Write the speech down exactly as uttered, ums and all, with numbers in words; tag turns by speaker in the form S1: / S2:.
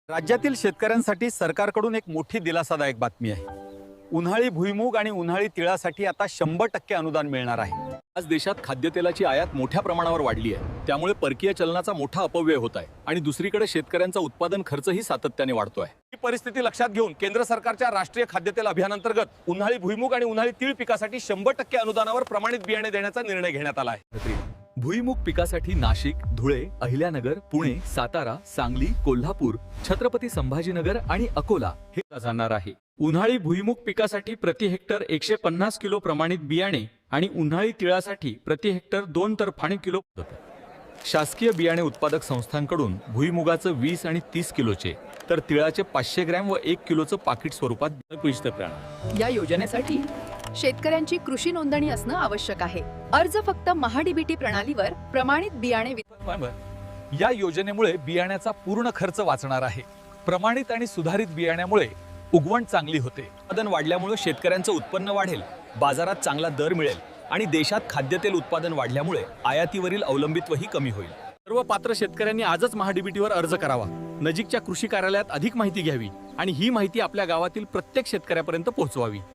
S1: राज्यातील शेतकऱ्यांसाठी सरकारकडून एक मोठी दिलासादायक बातमी आहे। उन्हाळी भुईमूग आणि उन्हाळी तिळासाठी आता शंभर टक्के अनुदान मिळणार आहे। आज देशात खाद्यतेलाची आयात मोठ्या प्रमाणावर वाढली आहे, त्यामुळे परकीय चलनाचा मोठा अपव्यय होत आहे आणि दुसरीकडे शेतकऱ्यांचा उत्पादन खर्चही सातत्याने वाढतो आहे। ही परिस्थिती लक्षात घेऊन केंद्र सरकारच्या राष्ट्रीय खाद्यतेल अभियानांतर्गत उन्हाळी भुईमूग आणि उन्हाळी तीळ पिकासाठी शंभर टक्के अनुदानावर प्रमाणित बियाणे देण्याचा निर्णय घेण्यात आला आहे। भुईमूग पिकासाठी नाशिक, धुळे, अहिल्यानगर, पुणे, सातारा, सांगली, कोल्हापूर, छत्रपती संभाजीनगर आणि अकोला हे जाणार आहे। उन्हाळी भुईमूग पिकासाठी प्रति हेक्टर एकशे पन्नास किलो प्रमाणित बियाणे आणि उन्हाळी तिळासाठी प्रति हेक्टर दोन तर पाणी किलो। शासकीय बियाणे उत्पादक संस्थांकडून भुईमुगाचं वीस आणि तीस किलोचे तर तिळाचे पाचशे ग्रॅम व एक किलोचं पाकिट स्वरूपात।
S2: या योजनेसाठी शेतकऱ्यांची कृषी नोंदणी असणं आवश्यक आहे। अर्ज फक्त महाडीबीटी प्रणालीवर प्रमाणित बियाणे
S1: या योजनेमुळे बियाण्याचा पूर्ण खर्च वाचणार आहे। प्रमाणित आणि सुधारित बियाण्यामुळे उगवण चांगली होते, उत्पादन वाढल्यामुळे शेतकऱ्यांचं उत्पन्न वाढेल, बाजारात चांगला दर मिळेल आणि देशात खाद्यतेल उत्पादन वाढल्यामुळे आयातीवरील अवलंबित्वही कमी होईल। सर्व पात्र शेतकऱ्यांनी आजच महाडीबीटीवर अर्ज करावा, नजीकच्या कृषी कार्यालयात अधिक माहिती घ्यावी आणि ही माहिती आपल्या गावातील प्रत्येक शेतकऱ्यापर्यंत पोहोचवावी।